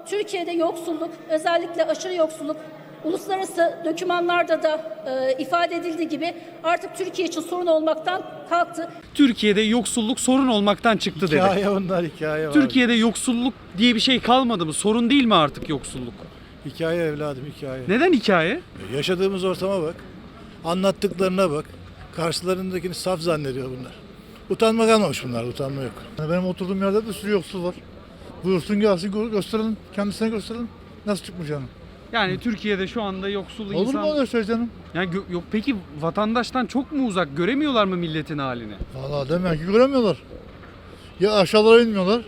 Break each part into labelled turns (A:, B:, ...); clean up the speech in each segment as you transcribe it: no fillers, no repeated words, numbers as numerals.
A: Türkiye'de yoksulluk, özellikle aşırı yoksulluk, uluslararası dokümanlarda da ifade edildiği gibi artık Türkiye için sorun olmaktan kalktı.
B: Türkiye'de yoksulluk sorun olmaktan çıktı dedi.
C: Hikaye onlar, hikaye var.
B: Türkiye'de yoksulluk diye bir şey kalmadı mı? Sorun değil mi artık yoksulluk?
C: Hikaye evladım, hikaye.
B: Neden hikaye?
C: Yaşadığımız ortama bak. Anlattıklarına bak. Karşılarındakini saf zannediyor bunlar. Utanma kalmamış bunlar, utanma yok. Benim oturduğum yerde bir sürü yoksul var. Buyursun gelsin gösterelim, kendisine gösterelim. Nasıl çıkmayacağını.
B: Yani Türkiye'de şu anda yoksul
C: Olur
B: insan...
C: mu öyle şey canım?
B: Yani yok peki vatandaştan çok mu uzak? Göremiyorlar mı milletin halini?
C: Vallahi demek ki göremiyorlar. Ya aşağılara inmiyorlar.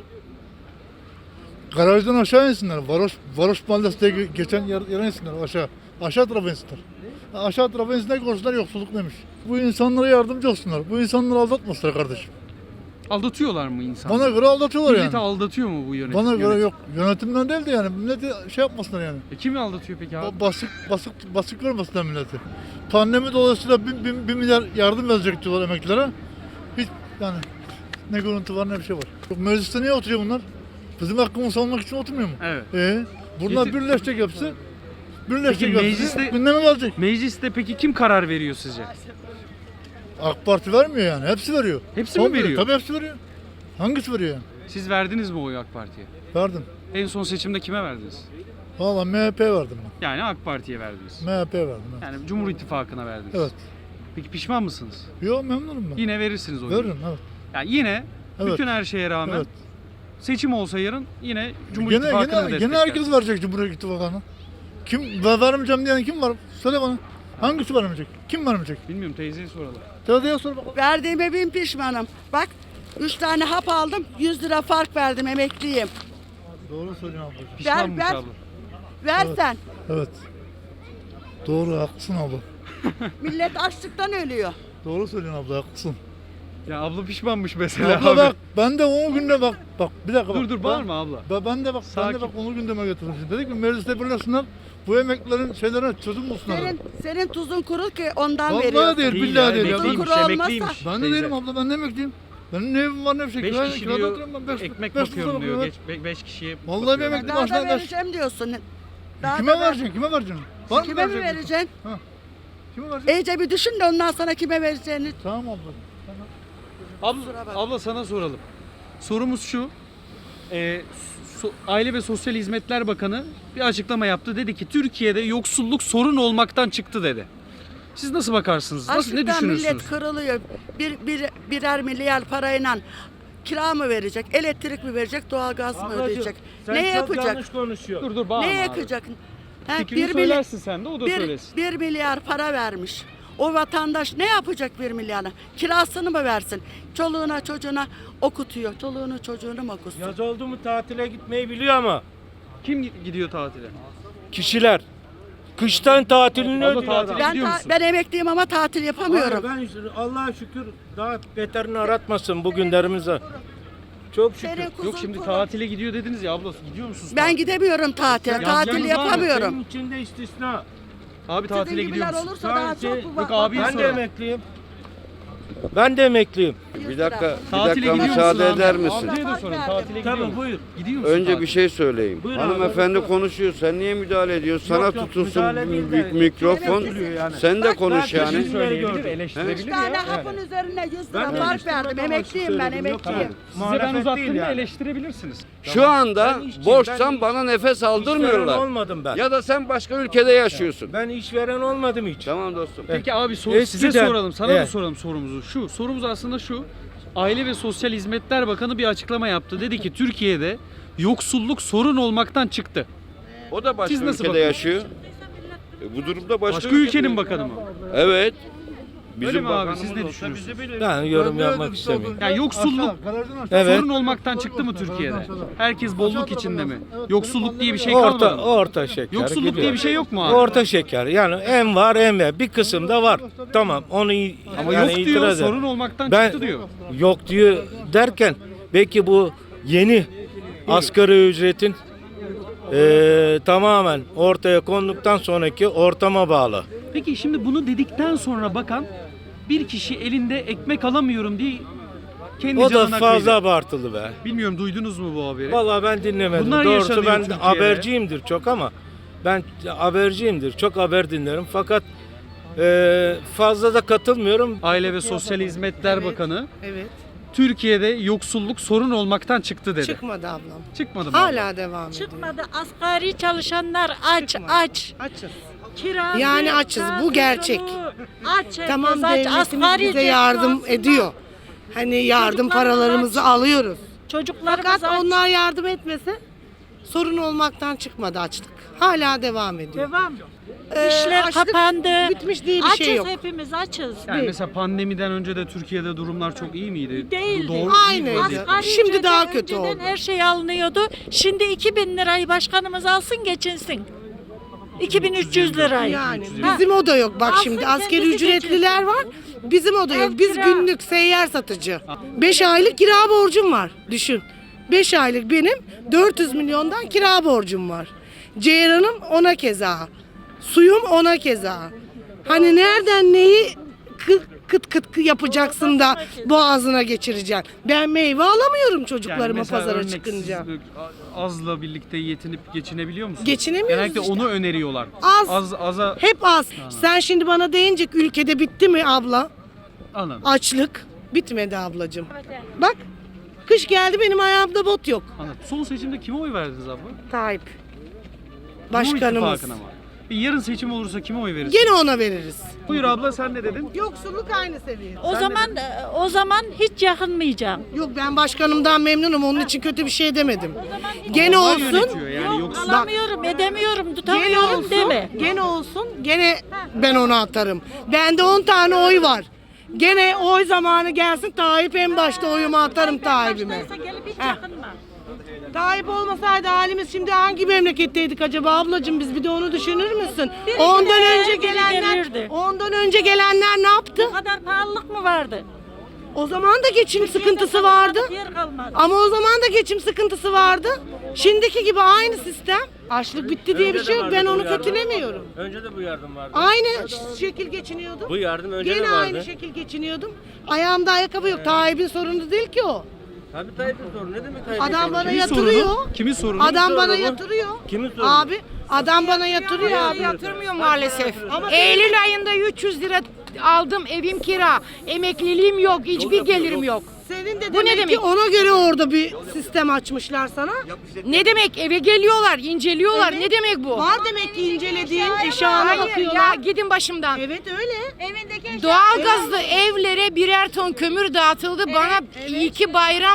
C: Garajdan aşağı insinler. Varoş mahallesi diye geçen yere insinler aşağı. Aşağı tarafa insinler. Aşağı tarafa insinler, görsünler yoksulluk neymiş. Bu insanlara yardımcı olsunlar. Bu insanları aldatmasınlar kardeşim.
B: Aldatıyorlar mı insanları?
C: Bana göre aldatıyorlar
B: Milleti
C: yani.
B: aldatıyor mu bu yönetim?
C: Bana göre yok. Yönetimden değil de yani. Milleti şey yapmasınlar yani.
B: Kimi aldatıyor peki abi?
C: Basık görmesinler milleti. Pandemi dolayısıyla 1 milyar yardım verecek diyorlar emeklilere. Hiç yani ne görüntü var ne bir şey var. Mecliste niye oturuyor bunlar? Bizim hakkımızı savunmak için oturmuyor mu?
B: Evet.
C: Bunlar
B: Getir-
C: birleşecek hepsi.
B: Peki
C: Birleşecek hepsi.
B: mecliste-
C: Gündeme gelecek.
B: Mecliste peki kim karar veriyor sizce?
C: AK Parti vermiyor yani. Hepsi veriyor.
B: Hepsi mi
C: Komple,
B: veriyor?
C: Tabii hepsi veriyor. Hangisi veriyor yani?
B: Siz verdiniz mi oyu AK Parti'ye?
C: Verdim.
B: En son seçimde kime verdiniz?
C: Valla MHP verdim
B: Yani AK Parti'ye verdiniz.
C: ben. MHP verdim. Evet.
B: Yani Cumhur İttifakı'na verdiniz.
C: Evet.
B: Peki pişman mısınız?
C: Yok memnunum ben.
B: Yine verirsiniz oyu.
C: Veririm evet.
B: Yani yine
C: Evet.
B: bütün her şeye rağmen
C: Evet.
B: seçim olsa yarın yine Cumhur
C: Gene,
B: İttifakı'nı
C: gene,
B: destekler.
C: gene herkes verecek Cumhuriyet İttifakı'na. Kim vermeyeceğim diyen kim var? Söyle bana. Hangisi vermeyecek? Kim vermeyecek?
B: Bilmiyorum, teyzeye soralım.
C: Teyzeye sor bakalım.
D: Verdiğime bin pişmanım. Bak 3 tane hap aldım 100 lira fark verdim emekliyim.
C: Doğru söylüyorsun ablacığım.
B: Pişmanmış
D: ver.
B: abla.
D: Versen
C: Evet. Doğru haklısın abla.
D: millet açlıktan ölüyor.
C: Doğru söylüyorsun abla haklısın.
B: Ya abla pişmanmış mesela
C: Abla
B: abi.
C: bak ben de o günde bak bir dakika bak.
B: Dur bağırma abla.
C: Ben de bak
B: Sakin.
C: onu gündeme getirmişim. Dedik ki mecliste birleşsinler. Bu emeklilerin şeylerine çözüm bulsunlar.
D: Senin tuzun kuru ki ondan
C: Vallahi
D: veriyorsun.
C: değil billahi değil. ya.
B: Emekliymiş,
D: Kuru olmazsa-
B: emekliymiş.
C: Ben de
B: teyze.
C: değilim abla ben de emekliyim. Benim ne evim var ne bir şey.
B: 5
C: Kirada-
B: kişi
C: kirada
B: diyor,
C: oturuyorum ben.
B: ekmek
C: beş
B: bakıyorum
C: tuzağa
B: diyor.
C: bakıyorum.
B: 5 kişiye
C: Vallahi
B: bakıyorum.
C: bir emekli
D: Daha da
C: maaşına
D: vereceğim diyorsun. Daha
C: Kime
D: da ver-
C: vereceksin? Kime vereceksin? Var mı
D: Kime mi
C: verecek?
D: vereceksin?
C: Kime vereceksin?
D: İyice bir düşün de ondan sonra kime vereceğini.
C: Tamam abla.
B: Abla sana soralım. Sorumuz şu. Aile ve Sosyal Hizmetler Bakanı bir açıklama yaptı. Dedi ki Türkiye'de yoksulluk sorun olmaktan çıktı dedi. Siz nasıl bakarsınız? Nasıl, ne
D: Açlıktan
B: düşünürsünüz?
D: millet kırılıyor. Birer milyar parayla kira mı verecek, elektrik mi verecek, doğalgaz mı ödeyecek?
E: Sen
D: Ne
E: çok
D: yapacak?
E: yanlış konuşuyorsun.
B: Dur bağırma
D: Ne
B: abi.
D: yakacak? Ha,
B: Fikrini
D: bir
B: söylersin sen de o da
D: bir,
B: söylesin.
D: 1 milyar para vermiş. O vatandaş ne yapacak 1 milyarla? Kirasını mı versin? Çoluğuna çocuğuna okutuyor. Çoluğunu çocuğunu mu okutsun?
E: Yaz oldu mu tatile gitmeyi biliyor ama
B: Kim gidiyor tatile?
E: kişiler kıştan tatilini
B: Abla
E: ödüyor
B: tatile
E: adam.
D: Ben,
B: gidiyor musun?
D: ben emekliyim ama tatil yapamıyorum.
E: Hayır, ben Allah'a şükür daha beterini aratmasın bu günlerimize. Çok şükür.
D: Senin kuzun
B: Yok şimdi
D: kuru.
B: tatile gidiyor dediniz ya abla. Gidiyor musunuz?
D: Ben
B: tatile?
D: gidemiyorum tatile.
B: Sen-
D: Tatil
B: yalnız var mı?
D: yapamıyorum.
E: Senin içinde istisna.
B: Abi
D: Sizin
B: tatile gidiyor
D: gibiler
B: musun?
D: olursa daha
E: Sadece-
D: çok
B: Yok abi,
E: Ben de
B: soralım.
E: emekliyim. Ben de emekliyim.
F: Bir dakika,
B: Tatile
F: bir dakika
B: gidiyor
F: müsaade
B: musun abi?
F: eder misin?
B: Ablaya da soralım. Tatile gidiyor
E: Tabii
B: musun?
E: buyur.
B: Gidiyor musun
F: Önce
B: tatile?
F: bir şey söyleyeyim.
E: Buyur abi.
F: Hanımefendi konuşuyor. Sen niye müdahale ediyorsun? Sana
E: Yok, yok,
F: tutulsun
E: müdahale değil de-
F: mikrofon.
E: Gülüyor yani.
F: Sen de konuş
E: ben
F: yani.
E: teşekkür
B: Söyleyebilir,
E: gördüm.
B: eleştirebilir
D: 3
B: ya.
D: tane
B: Yani.
D: hapın üzerine 100
E: Ben
D: lira
E: de
D: fark
E: eleştirmek
D: verdim.
E: amaçlı
D: Emekliyim ben,
E: söyledim. Yok,
D: emekliyim.
B: Size ben
E: Muhalefet
B: uzattım
E: değil
B: da
E: yani.
B: eleştirebilirsiniz.
F: Şu anda
E: Ben işçiyim,
F: boşsan
E: ben
F: bana nefes
E: İşveren
F: aldırmıyorlar.
E: olmadım ben.
F: Ya da sen başka ülkede yaşıyorsun.
E: Ben işveren olmadım hiç.
F: Tamam dostum.
B: Peki abi
E: Eskiden-
B: size soralım, sana da
E: Evet.
B: soralım sorumuzu. Sorumuz aslında şu. Aile ve Sosyal Hizmetler Bakanı bir açıklama yaptı. Dedi ki Türkiye'de yoksulluk sorun olmaktan çıktı.
F: O da başka
B: Siz nasıl
F: ülkede
B: bakıyorsunuz?
F: yaşıyor. Bu durumda başka,
B: Başka ülkenin bakanı mı?
F: Evet.
B: Öyle mi abi?
F: bakanımız
B: Siz ne
F: olsa
B: düşünüyorsunuz?
F: bizi bilir.
E: Ben yorum yapmak istemiyorum.
B: Ya yoksulluk
E: Evet.
B: sorun olmaktan çıktı mı Türkiye'de? Herkes bolluk içinde mi? Yoksulluk diye bir şey kalmadı
E: Orta
B: mı?
E: orta şeker.
B: Yoksulluk
E: gidiyor.
B: diye bir şey yok mu abi?
E: Orta şeker. Yani en var en var. Bir kısımda var. Tamam onu
B: Ama
E: yani
B: yok diyor,
E: itiraz ederim.
B: sorun olmaktan
E: Ben
B: çıktı diyor.
E: yok diyor derken belki bu yeni asgari ücretin tamamen ortaya konduktan sonraki ortama bağlı.
B: Peki şimdi bunu dedikten sonra bakan bir kişi elinde ekmek alamıyorum diye Kendi
E: O da
B: canın
E: fazla
B: hakkıyla.
E: abartılı be.
B: Bilmiyorum duydunuz mu bu haberi?
E: Vallahi ben dinlemedim.
B: Bunlar
E: Doğrusu
B: yaşanıyor
E: ben
B: Türkiye'de.
E: haberciyimdir çok ama ben haberciyimdir. Çok haber dinlerim fakat fazla da katılmıyorum.
B: Aile ve Sosyal Hizmetler Bakanı
G: Evet.
B: Türkiye'de yoksulluk sorun olmaktan çıktı dedi.
G: Çıkmadı ablam.
B: Çıkmadı mı?
G: Hala devam ediyor.
H: Çıkmadı. Asgari çalışanlar aç
G: Çıkmadı.
H: aç.
G: Açız.
H: Kirası,
G: Yani açız, bu
H: gazı,
G: gerçek.
H: soluğu. Aç
G: Tamam,
H: herkes aç.
G: devletimiz
H: Asgari
G: bize
H: ücretli
G: yardım
H: aslında.
G: ediyor. Hani yardım
H: Çocuklarımız
G: paralarımızı
H: aç.
G: alıyoruz.
H: Çocuklarımız
G: Fakat
H: aç.
G: onlar yardım etmese sorun olmaktan çıkmadı açlık. Hala devam ediyor.
H: Devam. İşler
G: açlık
H: kapandı.
G: bitmiş diye bir
H: açız
G: şey yok.
H: hepimiz açız.
B: Yani mesela pandemiden önce de Türkiye'de durumlar çok iyi miydi?
H: Değildi.
B: Doğru değil
G: Aynıydı.
B: vaziyette.
H: Asgari
G: Şimdi
H: ücrete
G: daha kötü
H: önceden
G: oldu.
H: her şey alınıyordu. Şimdi 2000 lirayı başkanımız alsın geçinsin. 2300 lirayı.
G: Yani
H: Ha.
G: bizim o da yok. Bak
H: Alsın
G: şimdi
H: kendisi
G: askeri ücretliler var. Bizim o da yok. Biz
H: kira.
G: günlük seyyar satıcı. 5 aylık kira borcum var. Düşün. 5 aylık benim 400 milyondan kira borcum var. Ceyranım ona keza. Suyum ona keza. Hani nereden neyi kıt kıt yapacaksın da boğazına geçireceksin. Ben meyve alamıyorum çocuklarıma
B: mesela
G: pazara
B: örnek
G: çıkınca.
B: siz azla birlikte yetinip geçinebiliyor musunuz?
G: Geçinemiyoruz
B: Genellikle
G: işte.
B: onu öneriyorlar.
G: Az.
B: Aza
G: Hep az. Sen şimdi bana deyince ülkede bitti mi abla?
B: anladım.
G: Açlık bitmedi ablacığım. Bak kış geldi benim ayağımda bot yok.
B: Anladım. Son seçimde kime oy verdiniz abla?
G: Tayyip.
B: Cumhur
G: Başkanımız.
B: İttifakı'na mı? Bir yarın seçim olursa kime oy verirsin?
G: Gene ona veririz.
B: Buyur abla sen ne dedin?
G: Yoksulluk aynı seviyede.
H: O zaman hiç yakınmayacağım.
G: Yok ben başkanımdan memnunum onun için kötü bir şey demedim. Gene
B: Onlar
G: olsun.
B: yönetiyor yani
H: Yok,
B: yoksa
H: alamıyorum, edemiyorum,
G: Gene
H: tutamıyorum
G: olsun.
H: deme.
G: Gene olsun. Gene ben ona atarım. Bende 10 tane oy var. Gene oy zamanı gelsin Tayyip en başta oyumu atarım Tayyip'ime.
H: Başlarsa gelip hiç
G: Heh.
H: yakınma.
G: Tayyip olmasaydı halimiz şimdi hangi memleketteydik acaba ablacığım biz bir de onu düşünür müsün?
H: Biri
G: Ondan
H: gider,
G: önce
H: biri
G: gelenler
H: gelirdi.
G: ondan önce gelenler ne yaptı?
H: Bu kadar pahalılık mı vardı?
G: O zaman da geçim sıkıntısı vardı.
H: Yer kalmadı.
G: Ama o zaman da geçim sıkıntısı vardı. Şimdiki gibi aynı sistem. Açlık bitti diye bir şey yok. Ben onu kötülemiyorum.
E: Önce de bu yardım vardı.
G: Aynı şekil geçiniyordum.
E: Bu yardım önce
G: Gene
E: de vardı.
G: aynı şekil geçiniyordum. Ayağımda ayakkabı yok. Tayyip'in sorunu değil ki o.
E: Tabii Tayyip'in sorunu. Ne demek Tayyip'in
G: Adam bana
B: kimin
G: yatırıyor.
B: sorunu? Kimin sorunu?
G: Adam bana
E: sorunu bu?
G: yatırıyor.
E: Kimin sorunu?
G: Abi adam bana yatırıyor abi.
I: Yatırmıyor maalesef.
G: Ama
I: Eylül ayında 300 lira aldım, evim kira. Emekliliğim yok, hiçbir gelirim yok.
G: Senin de
I: Bu ne
G: demek ki
I: demek?
G: ona göre orada bir sistem açmışlar sana.
I: Ne demek? Eve geliyorlar, inceliyorlar.
G: Evet.
I: Ne demek bu?
G: Var demek ki incelediğin eşyana
I: Hayır
G: bakıyorlar.
I: ya, gidin başımdan.
G: Evet öyle.
I: Doğalgazlı evlere birer ton kömür dağıtıldı. Bana 2 bayram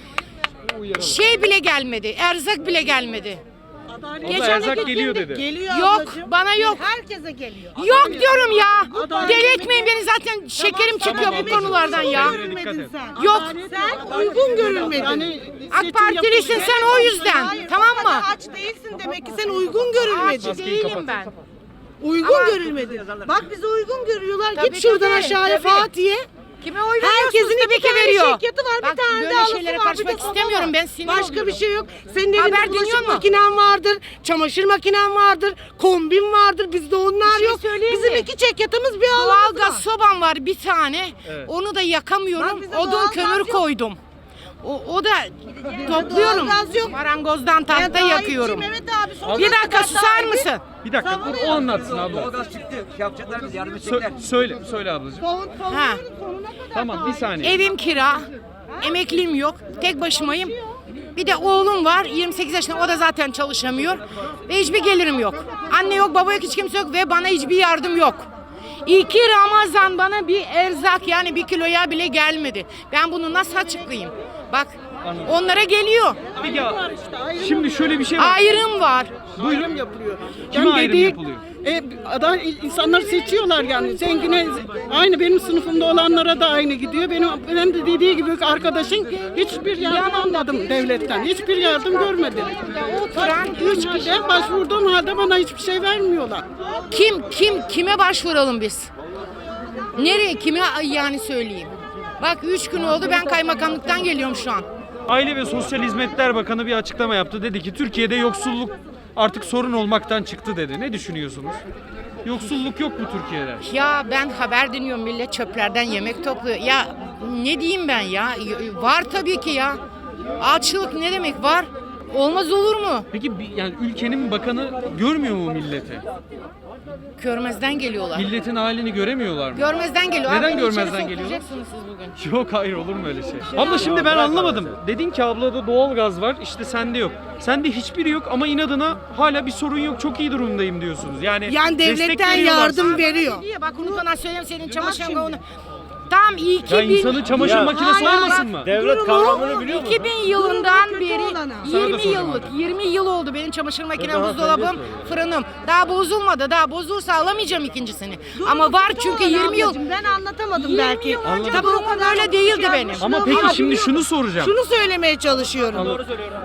I: şey bile gelmedi, erzak bile gelmedi.
B: Abla erzak geliyor dedi.
G: Geliyor
I: Yok,
G: ablacığım.
I: bana yok.
G: Herkese geliyor.
I: Yok diyorum ya. Deli etmeyin beni, zaten şekerim çıkıyor bu konulardan ya.
G: Görülmedin sen.
I: Yok.
G: Sen uygun görülmedin.
I: AK Partilisin sen o yüzden.
G: Hayır,
I: Tamam
G: o kadar
I: mı?
G: aç değilsin demek ki sen uygun görülmedin.
I: Aç değilim ben.
G: Uygun görülmedin. Bak bizi uygun görüyorlar.
I: Tabii,
G: Git şuradan
I: tabii,
G: aşağıya
I: tabii.
G: Fatih'e.
I: Kime oy veriyorsunuz?
G: Herkesin
I: Tabii
G: iki
I: ki
G: tane
I: veriyor.
G: şirketi var.
I: Bak,
G: Bir tane
I: böyle
G: de alısı
I: şeylere
G: var.
I: karışmak
G: bir de soba
I: istemiyorum.
G: var.
I: Ben sinir
G: Başka
I: oluyorum.
G: bir şey yok. Senin
I: Haber
G: evinde
I: dinliyor
G: bulaşık
I: mu?
G: makinen vardır. Çamaşır makinen vardır. Kombin vardır. Bizde onlar
I: şey
G: yok.
I: söyleyeyim
G: Bizim
I: mi?
G: 2 çekyatımız bir alanımız
I: Doğalgaz
G: var.
I: sobam var bir tane.
B: Evet.
I: Onu da yakamıyorum.
G: Bak bize
I: Odun
G: doğalgaz
I: kömür
G: yok.
I: koydum. O da topluyorum.
G: Doğalgaz yok.
I: Marangozdan tahta
G: Ben daha
I: yakıyorum.
G: iyiyim, Evet abi. sonuna
I: Bir dakika
G: kadar
I: susar
G: sahibi.
I: mısın?
B: Bir dakika o anlatsın abla.
J: Doğalgaz çıktı. Şey yapacaklar biz yardım edecekler.
B: Söyle ablacığım.
I: Ha.
G: Sonuna kadar
B: Tamam bir
G: sahibi.
B: saniye.
I: Evim kira. Emekliyim yok. Tek başımayım. Bir de oğlum var 28 yaşında, o da zaten çalışamıyor. Ve hiçbir gelirim yok. Anne yok, baba yok, hiç kimse yok ve bana hiçbir yardım yok. 2 Ramazan bana bir erzak, yani 1 kiloya bile gelmedi. Ben bunu nasıl açıklayayım? Bak onlara geliyor.
B: Peki şimdi şöyle bir şey var.
I: Ayrım var.
B: Buyurun.
K: Yapılıyor.
B: Kime ayrım yapılıyor?
K: Adam insanlar seçiyorlar yani. Zengine aynı benim sınıfımda olanlara da aynı gidiyor. Benim de dediği gibi arkadaşın hiçbir yardım almadım devletten. Hiçbir yardım görmedim.
I: Oturan 3 kişi.
K: Ben başvurduğum halde bana hiçbir şey vermiyorlar.
I: Kime başvuralım biz? Nereye, kime yani söyleyeyim? Bak 3 gün oldu, ben kaymakamlıktan geliyorum şu an.
B: Aile ve Sosyal Hizmetler Bakanı bir açıklama yaptı. Dedi ki Türkiye'de yoksulluk artık sorun olmaktan çıktı dedi. Ne düşünüyorsunuz? Yoksulluk yok mu Türkiye'de?
I: Ya ben haber dinliyorum, millet çöplerden yemek topluyor. Ya ne diyeyim ben ya? Var tabii ki ya. Açlık ne demek var? Olmaz olur mu?
B: Peki yani ülkenin bakanı görmüyor mu milleti?
I: Görmezden geliyorlar.
B: Milletin halini göremiyorlar mı?
I: Görmezden geliyor.
B: Neden
I: Abi,
B: görmezden
I: içeri
B: geliyor?
I: sokacaksınız siz bugün.
B: Yok hayır olur mu öyle şey? Abla şimdi ben anlamadım. Dedin ki ablada doğalgaz var işte sende yok. Sende hiçbiri yok ama inadına hala bir sorun yok çok iyi durumdayım diyorsunuz. Yani
G: devletten
B: destek
G: yardım veriyor.
I: Diye bak unutmadan söyleyeyim senin çamaşırın onu. Tam 2000
B: Ya insanın çamaşır makinesi
I: Hayır,
B: olmasın
I: bak,
B: mı?
E: Devlet kavramını biliyor musun?
I: 2000 yılından
G: kötü
I: beri
G: olana.
B: Sana da
I: 20
B: soracağım
I: yıllık
B: abi.
I: 20 yıl oldu benim çamaşır makinem,
E: Daha
I: buzdolabım,
E: söylüyorsun.
I: fırınım. Daha bozulmadı. Daha bozulursa alamayacağım ikincisini. Ama var çünkü 20 yıl.
G: Ben anlatamadım
I: 20
G: belki.
I: yıl önce
G: Tabii
I: durumum
G: o kadar
I: böyle değildi benim.
B: Ama peki şimdi şunu soracağım.
G: Şunu söylemeye çalışıyorum.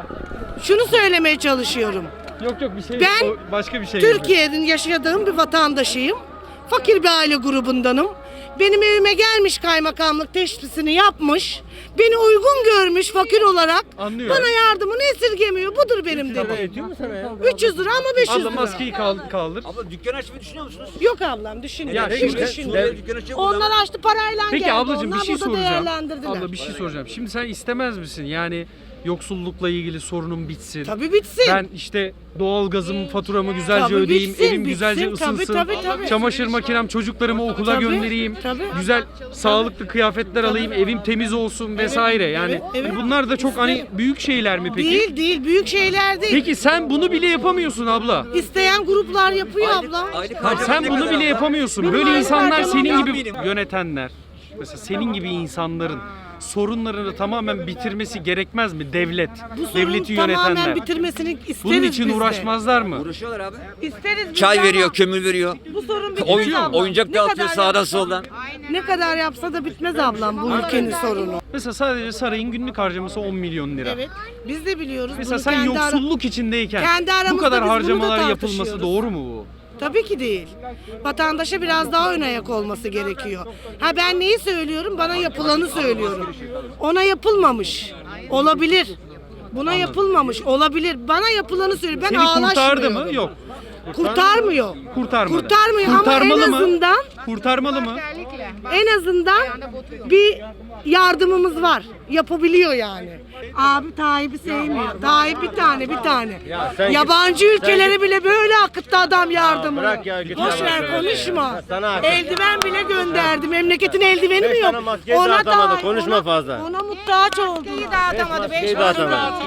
G: Şunu söylemeye çalışıyorum.
B: Yok bir şey
G: Ben
B: o başka bir şey.
G: Türkiye'nin yaşadığım bir vatandaşıyım. Fakir bir aile grubundanım. Benim evime gelmiş kaymakamlık teşhisini yapmış. Beni uygun görmüş fakir olarak.
B: Anlıyorum.
G: Bana yardımını esirgemiyor. Budur benim de.
E: Yetiyor mu sana ya?
G: 300 lira ama 500
B: Abla
G: lira.
B: maskeyi kaldır.
J: Abla dükkan açmayı düşünüyor musunuz?
G: Yok ablam düşünüyorum.
B: Ya
G: Şimdi
B: şimdi-
G: düşünüyorum.
J: Dükkan açıyor burada.
G: Onlar açtı parayla
B: Peki
G: geldi.
B: ablacığım bir
G: Onlar
B: şey
G: burada
B: soracağım.
G: değerlendirdiler.
B: Abla bir şey soracağım. Şimdi sen istemez misin? Yani yoksullukla ilgili sorunum bitsin.
G: Tabii bitsin.
B: Ben işte doğalgazım, faturamı güzelce
G: Tabii
B: ödeyeyim,
G: bitsin,
B: evim güzelce
G: bitsin. Tabii,
B: ısınsın.
G: tabii.
B: Çamaşır makinem, çocuklarımı okula
G: Tabii,
B: göndereyim.
G: tabii.
B: Güzel, sağlıklı kıyafetler alayım, evim temiz olsun vesaire. Yani
G: evet.
B: bunlar da çok hani büyük şeyler mi peki?
G: Değil büyük şeyler değil.
B: Peki sen bunu bile yapamıyorsun abla.
G: İsteyen gruplar yapıyor abla.
J: Aylık
B: Bak sen
J: ne
B: bunu
J: kadar
B: bile
J: abla?
B: yapamıyorsun. Böyle insanlar senin
J: harcamam
B: gibi
J: benim.
B: yönetenler. Mesela senin gibi insanların sorunlarını tamamen bitirmesi gerekmez mi devlet?
G: Bu sorunu
B: Devleti
G: tamamen
B: yönetenler.
G: bitirmesini isteriz
B: Bunun için
G: biz de.
B: uğraşmazlar mı?
J: Uğraşıyorlar abi.
G: İsteriz biz
F: Çay
G: de
F: veriyor,
G: ama
F: kömür veriyor.
G: bu sorun bitmez abla.
F: Oyuncak
G: Ne
F: dağıtıyor
G: kadar
F: sağdan
G: yapsa-
F: soldan.
G: Ne kadar yapsa da bitmez ablam bu ülkenin sorunu.
B: Mesela sadece sarayın günlük harcaması 10 milyon lira.
G: Evet. Biz de biliyoruz.
B: Mesela
G: bunu
B: sen
G: kendi
B: yoksulluk içindeyken
G: kendi
B: bu
G: aramızda
B: kadar
G: biz bunu da
B: harcamalar yapılması
G: tartışıyoruz.
B: doğru mu bu?
G: Tabii ki değil. Vatandaşa biraz daha ön ayak olması gerekiyor. Ha ben neyi söylüyorum? Bana yapılanı söylüyorum. Ona yapılmamış. Olabilir. Buna yapılmamış. Olabilir. Bana yapılanı söylüyor. Ben
B: Seni
G: ağlaşmıyorum.
B: kurtardı mı? Yok.
G: Kurtarmıyor.
B: Kurtarmadı.
G: Kurtarmıyor ama
B: Kurtarmalı
G: en
B: mı?
G: azından
B: Kurtarmalı mı?
G: en azından bir yardımımız var. Yapabiliyor yani. Abi Tayyip'i sevmiyor. Tayyip bir tane.
E: sen
G: Yabancı ülkelere bile böyle akıttı adam yardımını.
E: bırak ya, git
G: Boş
E: ya,
G: ver
E: bırak.
G: konuşma.
E: Sana hak.
G: Eldiven bile gönderdi. Memleketin eldiveni mi yok?
E: tane maskeyi dağıtamadı, konuşma fazla.
G: Ona muhtaç oldu.
I: Dağıtamadı. 5
E: Maskeyi dağıtamadı.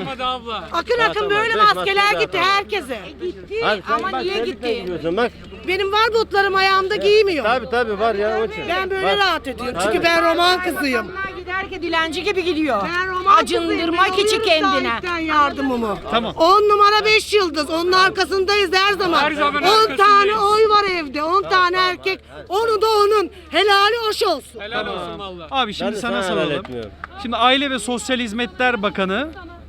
G: Akın böyle
E: Beş
G: maskeler
E: maske
G: gitti herkese.
I: Ama niye gitti?
E: Gidiyorsun bak.
G: Benim var botlarım ayağımda giymiyor.
E: Tabii var ya onun için.
G: Ben böyle
E: Bak.
G: rahat ediyorum. Çünkü ben roman kızıyım.
I: Onlar giderken dilenci gibi gidiyor.
G: Ben roman
I: Acındırmak
G: kızıyım.
I: için
G: Ben alıyorum
I: kendine.
G: sahipten yardımımı.
B: Tamam.
G: 10 numara 5 yıldız. Onun arkasındayız her zaman.
B: Her zaman
G: 10 tane oy var evde. 10 tane erkek. Onu da onun. Helali hoş olsun.
B: Abi şimdi
E: Ben de
B: sana
E: sana helal
B: soralım.
E: etmiyorum.
B: Şimdi Aile ve Sosyal Hizmetler Bakanı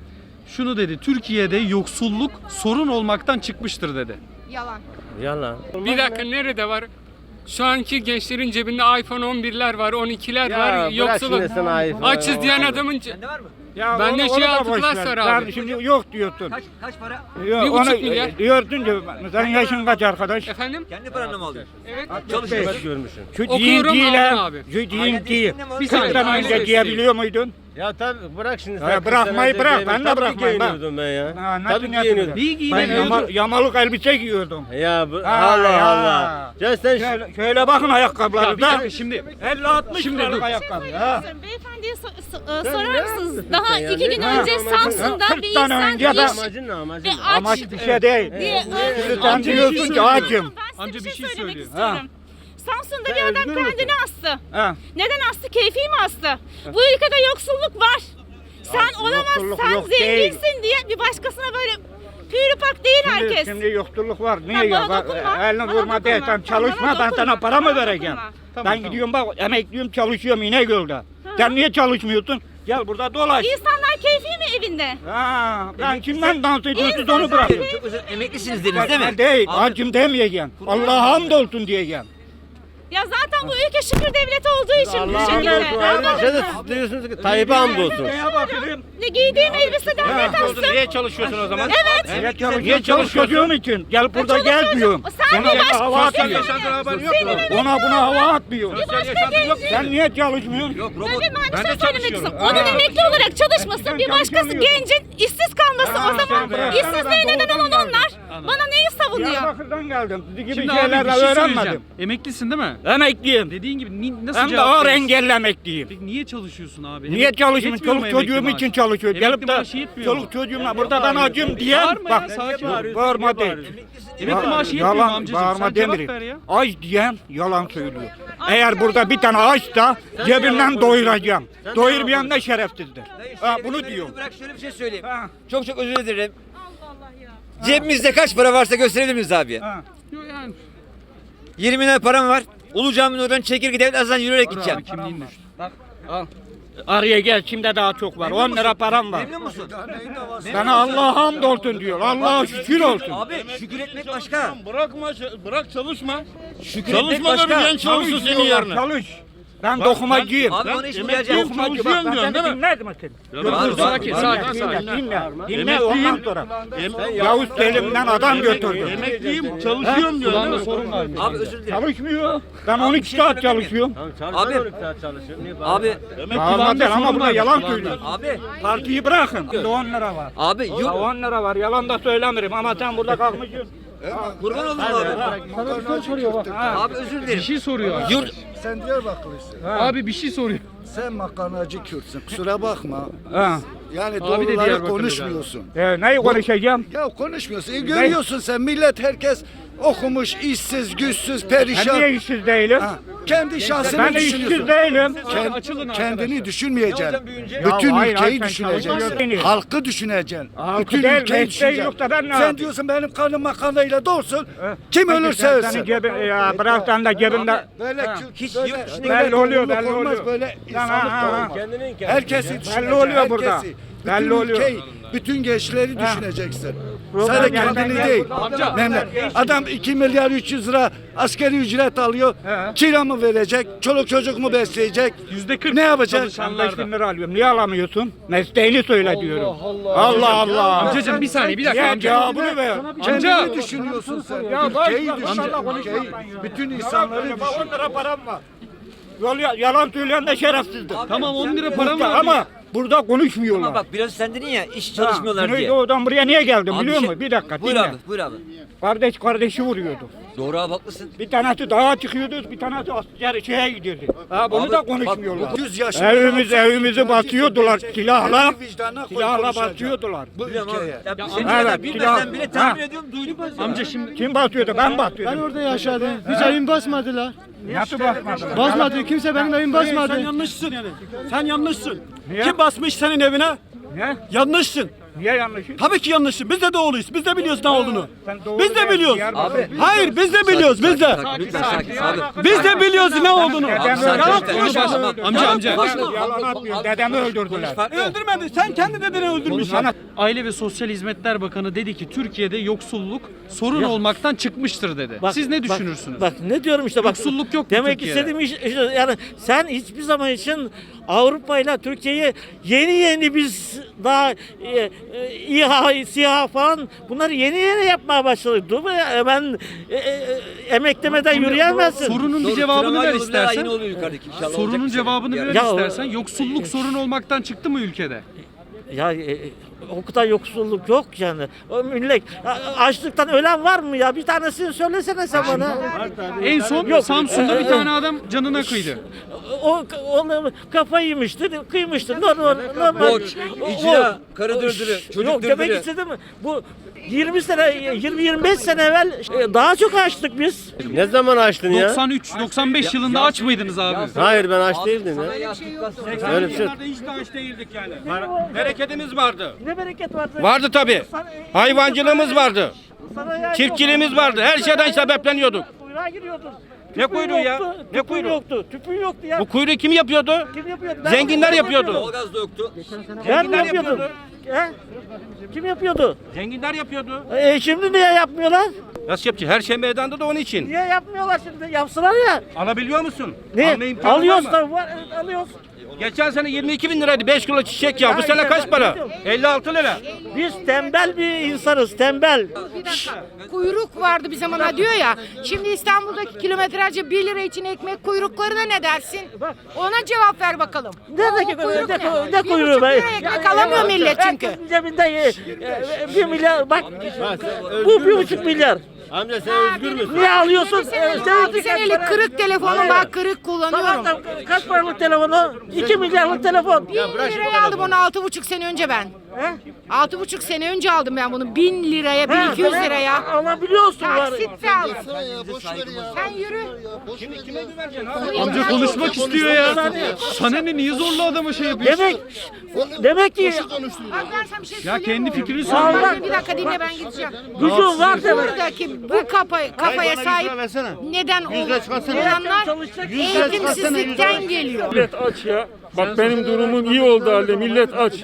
B: şunu dedi. Türkiye'de yoksulluk sorun olmaktan çıkmıştır dedi.
I: Yalan.
E: Yalan.
L: Bir dakika nerede var? Şu anki gençlerin cebinde iPhone 11'ler var, 12'ler var.
E: bırak
L: Yoksulluk.
E: şimdi sen iPhone.
L: Açız diyen adamın
J: Sende var mı?
L: Ya ben de şey altı plus var abi.
K: Şimdi yok diyorsun.
J: Kaç para?
L: Bir buçuk milyar.
K: Diyorsun ki senin yaşın kaç arkadaş?
L: Efendim?
J: Kendi paranla mı alıyorsun?
L: Evet.
J: Çalışıyorsun.
E: Görmüşsün.
K: Şu
L: Okuyorum, aldım abi.
K: Şu din değil.
L: Bir saniye,
K: 40'tan
L: aile
K: önce
L: desteği.
K: giyebiliyor muydun?
E: Ya tabii bırak şimdi
K: Ya
E: sen.
K: bırakmayı
E: 40
K: bırak,
E: sene
K: ben de
E: tabii
K: bırakmayayım, bak.
E: giyiniyordum ben ya.
K: Ha, nasıl
E: Tabii
K: yapıyordun?
E: giyiniyordum.
B: İyi
K: Ben
B: giyinemiyordu.
K: yamalık elbise giyiyordum.
E: Ya
K: Ha,
E: Allah
K: ya.
E: Allah. Ya sen
K: Şöyle bakın
B: Ya
K: ayakkabıları
B: bir
K: da.
B: dakika şimdi
K: 50-60
B: Şimdi
K: liralık
B: dur.
K: ayakkabı. Ha.
A: Beyefendiye sorar mısınız? Daha
E: Ya,
A: 2 gün
K: ha,
A: önce
K: ha,
A: Samsun'da
K: 40
A: bir
K: tane
A: insan
K: önce ben-
E: amacın ne amacın?
A: ve
E: ne?
A: aç
K: Amaç bir şey değil.
A: diye
K: Şimdi sen
B: Amca bir
K: diyorsun
B: şey
K: ki
B: söylüyor.
K: acım.
A: Ben size
B: Amca
A: bir
B: bir
A: şey
B: şey
A: söylemek
B: söylüyor.
A: istiyorum. Samsun'da bir
K: Sen
A: adam
K: üzgün müsün?
A: kendini astı.
K: Ha.
A: Neden astı? Keyfi mi astı? Bu ülkede yoksulluk var. Sen olamaz,
K: yoksulluk
A: sen
K: yok değil.
A: zenginsin diye bir başkasına böyle pürüpak değil herkes.
K: Şimdi yoksulluk var. Niye
A: Ha,
K: yok?
A: bana dokunma,
K: Elini
A: bana
K: vurma de.
A: dokunma.
K: Sen çalışma,
A: Bana
K: ben sana
A: dokunma,
K: para mı
A: bana
K: vereceğim?
A: dokunma.
K: Ben gidiyorum bak emekliyim, çalışıyorum İnegöl'de. Sen niye çalışmıyorsun? Gel burada dolaş.
A: İnsanlar keyfi mi evinde?
K: Ha, ben kimden dans ediyorsunuz onu bırakıyorum.
J: Çok özür Emeklisiniz dediniz değil mi?
K: Ben değil, acım demeyeceğim. Allah'a hamdolsun diyeceğim.
I: Ya zaten bu ülke şükür devleti olduğu için bu şekilde.
J: Diyorsunuz ki Tayyip'e hamdolsun.
I: Ne giydiğim elbise devlet alsın.
E: Niye çalışıyorsun o zaman?
I: Evet.
E: Niye çalışıyorsun için? Gel burada gezmiyorum.
I: Sen mi
E: hava atmıyor. Buna hava atmıyor. Sen niye çalışmıyorsun? Yok
I: Ben bir şey söylemek istiyorum. Onun emekli olarak çalışması, bir başkası gencin işsiz kalması o zaman işsizliğe neden olan onlar. Bana neyi savunuyor?
E: Diyarbakır'dan geldim. Sizi gibi
B: Şimdi abi bir
E: şeylerle
B: şey
E: öğrenmedim.
B: söyleyeceğim. Emeklisin değil mi?
E: Emekliyim.
B: Dediğin gibi nasıl
E: Hem de
B: cevap
E: ağır
B: verirsin?
E: engelli emekliyim.
B: Peki niye çalışıyorsun abi?
E: Niye çalışayım?
B: Yetmiyor mu
E: Çoluk
B: emekli
E: çocuğum
B: maaşı?
E: için çalışıyor.
B: Emekli
E: Gelip de
B: maaşı yetmiyor mu?
E: çoluk çocuğumla burada ben acım diyen
B: Bağırma ya,
E: bak.
B: sakin ol.
E: Bağırma değil.
B: Emekli maaşı yetmiyor mu
E: Yalan,
B: amcacığım?
E: bağırma
B: Sen cevap
E: demirim.
B: ver ya.
E: Aç diyen yalan söylüyor. Eğer burada bir tane açsa cebimden doyuracağım. Doyurmayan da şerefsizdir. Ha, bunu diyor.
J: Bırak şöyle bir şey söyleyeyim. Çok çok özür dilerim. Cebimizde kaç para varsa gösterebilir miyiz abi?
B: Yani
J: 20 lira param var. Ulu Cami'nin oradan çekirge devlet azından yürüyerek gideceğim.
B: abi kimliğin düştü.
E: Al. Araya gel, kimde daha çok var. 10 lira param var.
J: Memnun musun?
E: Sana Allah'a hamdolsun diyor. Allah'a şükür olsun.
J: Abi şükür etmek başka.
E: Bırak çalışma.
J: Şükür etmek başka.
E: Çalışsın senin yerine. Çalış. Ben dokumacıyım.
J: Abi bana iş bulacağım.
E: Dokumacı bak. Ben seni dinledim seni.
B: Sakin.
E: Dinle ondan sonra. Yavuz Selim'den adam götürdü.
C: Emekliyim, çalışıyorum diyor.
B: Kulağında sorun var mı?
J: Abi özür dilerim.
E: Çalışmıyor. Ben 12 saat çalışıyorum.
J: Abi. Abi.
E: Bağırma değil ama burada yalan söylüyor.
J: Abi.
E: Partiyi bırakın. 10 lira var.
J: Abi yok.
E: 10 lira var. Yalan da söylemirim ama sen burada kalkmışsın.
J: Kurban olayım abi. Abi özür
B: Bir
J: dilerim.
B: şey soruyor abi.
J: Yurt.
C: Sen Diyarbakırlısın.
B: Abi bir şey soruyor.
C: Sen makarnacı Kürtsün. Kusura bakma.
E: Ha.
C: Yani
B: Abi de
C: doğruları
B: Diyarbakırlı
C: konuşmuyorsun.
E: Neyi konuşacağım?
C: Ya konuşmuyorsun. Görüyorsun sen millet herkes okumuş, işsiz, güçsüz, perişan.
E: Ben niye işsiz değilim?
C: Ha, kendi şahsını
E: Ben de işsiz
C: düşünüyorsun.
E: değilim.
C: Kendini düşünmeyeceksin.
E: Ya
C: Bütün
E: hayır,
C: ülkeyi
E: sen
C: düşüneceksin.
E: çalışıyorsun.
C: Halkı düşüneceksin.
E: Halkı
C: Bütün
E: değil,
C: ülkeyi
E: mesleği
C: düşüneceksin.
E: yok da ben ne
C: Sen
E: yapayım?
C: diyorsun benim karnım makarnayla doysun. Kim ölürse
E: Senin
C: ölsün.
E: cebin, ya bırak sen de cebinde.
C: Böyle
J: Hiç
C: böyle,
J: yurt dışında
E: belli oluyor,
C: topluluk
E: belli
C: olmaz,
E: oluyor.
C: böyle insanlık da olmaz. Herkesi düşüneceksin.
E: Belli oluyor burada.
C: herkesi.
E: Belli
C: Bütün
E: oluyor.
C: ülkeyi, bütün gençleri düşüneceksin.
E: Problem
C: Sadece
E: yerden
C: kendini
E: gel.
C: değil.
B: Amca.
C: Adam 2 milyar 300 lira askeri ücret alıyor. Kira mı verecek? Çoluk çocuk mu besleyecek?
B: %40
C: Ne yapacak?
E: Sen 5 bin lira alıyorum. Niye alamıyorsun? Mesleğini söyle diyorum. Allah Allah.
B: Amcacığım bir saniye bir dakika
E: Ya
B: amca.
E: cevabını ver.
C: Kendini düşünüyorsun sen.
E: Ya
C: Ülkeyi
E: boş ver,
C: düşün.
E: Allah konuşma.
C: Ülkeyi, bütün insanları düşün.
E: 10 lira param var. Yalan söyleyen de şerefsizdir.
B: Tamam 10 lira param var.
E: Ama burada konuşmuyorlar.
J: Ama bak biraz sen dedin ya iş çalışmıyorlar diye.
E: Güneydoğu'dan buraya niye geldim
J: Abi
E: biliyor
J: şey-
E: musun? Bir dakika
J: Buyur
E: dinle.
J: abi, buyur abi.
E: Kardeş kardeşi vuruyordu.
J: Doğru abi haklısın.
E: Bir tanesi dağa çıkıyordu, bir tanesi asker şeye gidiyordu. Ha bunu
J: Abi,
E: da
J: bak,
E: konuşmuyorlar.
C: 100 yaşında
E: Evimizi basıyordular silahla.
C: kendi vicdanına koy
E: Silahla
C: konuşacak.
E: basıyorlar.
C: Bu ülkeye.
J: Ya
E: Evet,
J: senin kadar bilmesen
E: silah-
J: bile tahmin
E: Ha.
J: ediyorum duydum.
B: Amca şimdi
E: Kim basıyordu? Ben basıyordum.
K: Orada yaşadım. Hiç evim basmadılar.
E: Nasıl basmadılar?
K: Basmadı. Kimse benim evimi basmadı.
M: Sen yanlışsın yani. Sen yanlışsın.
E: Niye?
M: Kim basmış senin evine?
E: Ne?
M: Yanlışsın.
E: Niye yanlışım?
M: Tabii ki yanlışsın. Biz de doğruyuz. Biz de biliyoruz ne olduğunu.
E: Sen doğru
M: Biz de
E: değil.
M: biliyoruz.
J: Abi.
M: Hayır biz de biliyoruz. Biz de.
J: Lütfen sakin abi.
M: Biz de biliyoruz ne olduğunu.
E: Dedem
J: Sakin
M: Yalan
J: işte.
M: konuşma.
B: amca.
E: Yalan atmıyor. Dedemi öldürdüler.
M: Öldürmedi. Sen kendi dedeni öldürmüşsün.
B: Aile ve Sosyal Hizmetler Bakanı dedi ki Türkiye'de yoksulluk sorun olmaktan çıkmıştır dedi. Siz ne düşünürsünüz?
M: Bak ne diyorum işte bak.
B: Yoksulluk yok mu
M: Demek
B: Türkiye'de?
M: istediğim yani sen hiçbir zaman için Avrupa ile Türkiye'yi yeni biz daha İHA, SİHA falan bunları yeni yapmaya başladık. Dur be ya, ben emek demeden yürüyemezsin.
B: Sorunun bir cevabını ver istersen.
J: Yine oluyor yukarıdaki inşallah.
B: Sorunun
J: olacak bir şey.
B: cevabını ver
M: Ya,
B: istersen. Yoksulluk sorun olmaktan çıktı mı ülkede?
M: Ya o kadar yoksulluk yok yani. O millet açlıktan ölen var mı ya? Bir tanesini söylesene sen bana.
B: En son
M: Yok.
B: Samsun'da bir tane adam canına kıydı.
M: O kafayı yemiştir, kıymıştır. Normal.
J: Borç, icra, karı dırdırı, çocuk
M: Yok demek
J: dırdırı.
M: istedim bu 20-25 sene evvel daha çok açtık biz.
J: Ne zaman açtın
B: 93-95 yılında aç mıydınız abi?
J: Hayır ben aç değildim ya. Öyle bir şey.
E: Hiç de aç değildik yani. Bereketimiz vardı.
M: Ne bereket vardı.
E: Vardı tabii. Hayvancılığımız vardı.
M: Sana ya-
E: Çiftçiliğimiz vardı. Her şeyden sebepleniyorduk.
M: Kuyruğa giriyordun.
E: Ne
M: Tüpün
E: kuyruğu ya?
M: yoktu,
E: Ne
M: tüpün
E: kuyruğu?
M: yoktu. Tüpün yoktu ya.
E: Bu kuyruğu kim yapıyordu?
M: Kim yapıyordu?
E: Zenginler yapıyordu.
J: Doğalgaz da yoktu.
M: Ben mi yapıyordum? He? Kim yapıyordu?
E: Zenginler yapıyordu.
M: Şimdi niye yapmıyorlar?
J: Nasıl yapacak? Her şey meydanda da onun için.
M: Niye yapmıyorlar şimdi? Yapsınlar ya.
J: Alabiliyor musun?
M: Ne?
J: Alma imkanı var
M: Alıyoruz
J: mı?
M: da var, alıyoruz.
J: Geçen sene 22 bin liraydı 5 kilo çiçek ya. Bu
M: Ya
J: sene
M: işte
J: kaç
M: ben
J: para?
M: biliyorum.
J: 56 lira.
M: Biz tembel bir insanız, tembel.
I: Bir dakika. Kuyruk vardı bir zamana diyor ya. Şimdi İstanbul'daki kilometrelerce 1 lira için ekmek kuyruklarına ne dersin? Ona cevap ver bakalım.
M: Ne
I: kuyruk ne?
M: ne kuyruğu
I: 1,5
M: be?
I: lira ekmek alamıyor millet çünkü.
M: Herkesin cebinde 1 milyar, bak bu 1,5 milyar.
J: Amca sen özgür müsün?
M: Niye alıyorsun?
I: 6 senelik kırık telefonum var, kırık kullanıyorum.
M: Tamam da kaç paralık telefonu? 2 milyarlık telefon.
I: 1000 liraya aldım onu 6,5 sene önce ben. 6,5 sene önce aldım ben bunu 1000 liraya, 1200 liraya.
M: Alabiliyorsun var.
I: Taksitle aldım. Sen yürü.
J: Kime güveneceksin abi?
B: Amca konuşmak istiyor ya. Sana ne, niye zorla adama şey yapıyorsun?
M: Demek ki
I: Bak ben sana bir şey
B: Ya
I: söyleyeyim
B: kendi
I: mi?
B: fikrini
M: Allah-
B: söyle.
I: Bir dakika dinle ben gideceğim.
M: gücün var demek.
I: Buradaki bu kafaya sahip neden olanlar eğitimsizlikten geliyor.
L: Millet aç ya. Bak benim durumum iyi oldu halde millet aç.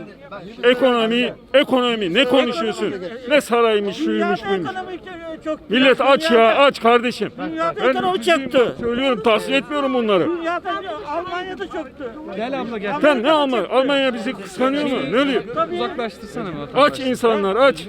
L: Ekonomi ne konuşuyorsun? Ne saraymış şuymuş buymuş.
M: Çok
L: Millet aç ya aç kardeşim.
M: Dünyada ekonomi çöktü.
L: Söylüyorum tavsiye etmiyorum bunları.
M: Dünyada Almanya'da çöktü.
B: Gel abla gel.
L: Sen ne Almanya? Almanya bizi kıskanıyor mu? Ne oluyor?
B: Uzaklaştırsana mı?
L: Aç insanlar aç.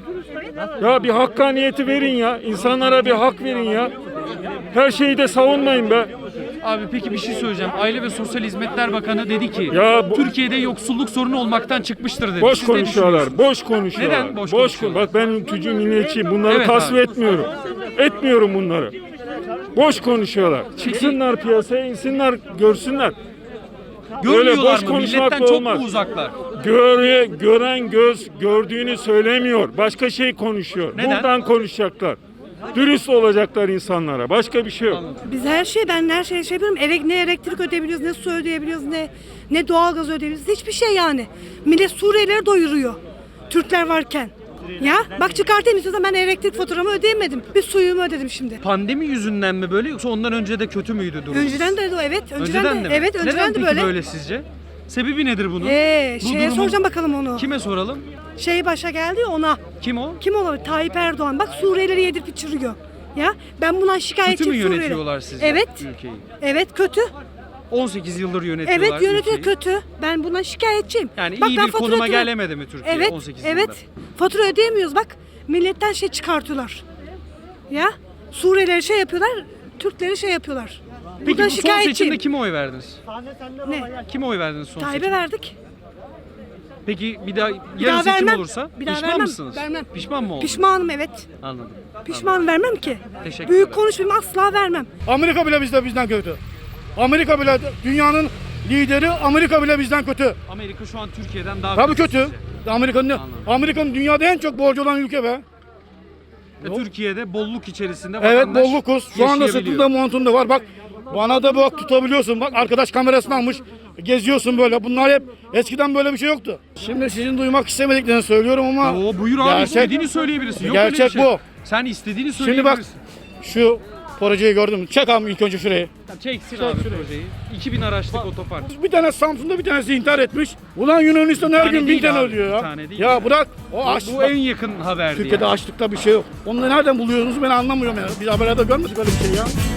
L: Ya bir hakkaniyeti verin ya. İnsanlara bir hak verin ya. Her şeyi de savunmayın be.
B: Abi peki bir şey söyleyeceğim. Aile ve Sosyal Hizmetler Bakanı dedi ki
L: Ya bu-
B: Türkiye'de yoksulluk sorunu olmaktan çıkmıştır dedi.
L: Boş
B: Siz ne
L: konuşuyorlar,
B: düşünüyorsunuz?
L: boş konuşuyorlar.
B: Neden boş konuşuyorlar?
L: Bak ben ülkücü milliyetçiyim. Bunları
B: Evet
L: tasvip
B: abi.
L: etmiyorum. Etmiyorum bunları. Boş konuşuyorlar. Çıksınlar piyasaya, insinler, görsünler.
B: Görmüyorlar
L: boş
B: mı?
L: konuşmakla
B: Milletten çok
L: olmaz.
B: mu uzaklar?
L: Gören göz gördüğünü söylemiyor. Başka şey konuşuyor.
B: Neden?
L: Buradan konuşacaklar. Dürüst olacaklar insanlara. Başka bir şey yok.
G: Biz her şey yapıyorum. Ne elektrik ödeyebiliyoruz, ne su ödeyebiliyoruz, ne doğalgaz ödeyebiliyoruz. Hiçbir şey yani. Millet Suriyelileri doyuruyor. Türkler varken. Ya bak çıkartayım istiyorsan ben elektrik faturamı ödeyemedim. Bir suyumu ödedim şimdi.
B: Pandemi yüzünden mi böyle yoksa ondan önce de kötü müydü durum?
G: Önceden de evet.
B: Önceden de mi?
G: Evet,
B: Neden
G: önceden de
B: peki
G: böyle.
B: böyle sizce? Sebebi nedir bunun? Bu
G: Şeye
B: durumun-
G: soracağım bakalım onu.
B: Kime soralım?
G: Başa geldi ya ona.
B: Kim o?
G: Kim olabilir? Tayyip Erdoğan. Bak Suriyelileri yedirip içiriyor. Ya ben bundan
B: Kötü
G: şikayetçiyim
B: mü
G: Suriyeli.
B: yönetiyorlar sizce
G: Evet.
B: ülkeyi?
G: Evet kötü.
B: 18 yıldır yönetiyorlar
G: Evet yönetiyor
B: ülkeyi.
G: kötü. Ben bundan şikayetçiyim.
B: Yani
G: Bak,
B: iyi
G: ben
B: bir
G: fatura
B: konuma
G: ödüyorum.
B: gelemedi mi Türkiye
G: Evet,
B: 18
G: evet.
B: yılda?
G: Fatura ödeyemiyoruz bak. Milletten çıkartıyorlar. Ya Suriyelileri yapıyorlar, Türkleri yapıyorlar.
B: Peki
G: Buradan
B: bu son
G: şikayetçiyim.
B: seçimde kime oy verdiniz?
G: Ne?
B: Kime oy verdiniz son
G: Tayyip'e
B: seçimde?
G: verdik.
B: Peki bir daha
G: Bir
B: yarın
G: daha
B: seçim
G: vermem.
B: olursa
G: Bir daha
B: pişman
G: vermem.
B: mısınız?
G: Vermem.
B: Pişman mı oldunuz?
G: Pişmanım evet.
B: Anladım.
G: Pişman vermem ki.
B: Teşekkürler.
G: Büyük konuşmayayım asla vermem.
C: Amerika bile bizden kötü. Amerika bile dünyanın lideri, Amerika bile bizden kötü.
B: Amerika şu an Türkiye'den daha
C: Tabii kötü.
B: Anladım.
C: Amerika'nın dünyada en çok borcu olan ülke be.
B: Türkiye'de bolluk içerisinde
C: Evet
B: vatandaş
C: bollukuz. Şu anda
B: yaşayabiliyor.
C: sırtında montunda var. Bak bana da bak tutabiliyorsun. Bak arkadaş kamerasını almış. Geziyorsun böyle. Bunlar hep eskiden böyle bir şey yoktu. Şimdi sizin duymak istemediklerini söylüyorum ama
B: Ya buyur abi istediğini söyleyebilirsin. Yok
C: gerçek
B: öyle bir şey.
C: bu.
B: Sen istediğini
C: Şimdi bak
B: söyleyebilirsin.
C: şu projeyi gördün mü? Çek abi ilk önce şurayı.
B: Çeksin abi projeyi. 2000 araçlık otopark.
C: Bir tane Samsun'da bir tanesi intihar etmiş. Ulan Yunanistan her
B: tane
C: gün 1000
B: değil
C: tane
B: abi,
C: ölüyor
B: bir
C: ya.
B: tane değil
C: Ya
B: ya.
C: bırak. O aç.
B: Bu en yakın haberdi
C: Türkiye'de
B: yani.
C: açlıkta bir şey yok. Onu nereden buluyorsunuz ben anlamıyorum ya. Biz haberlerde görmedik öyle bir şey ya.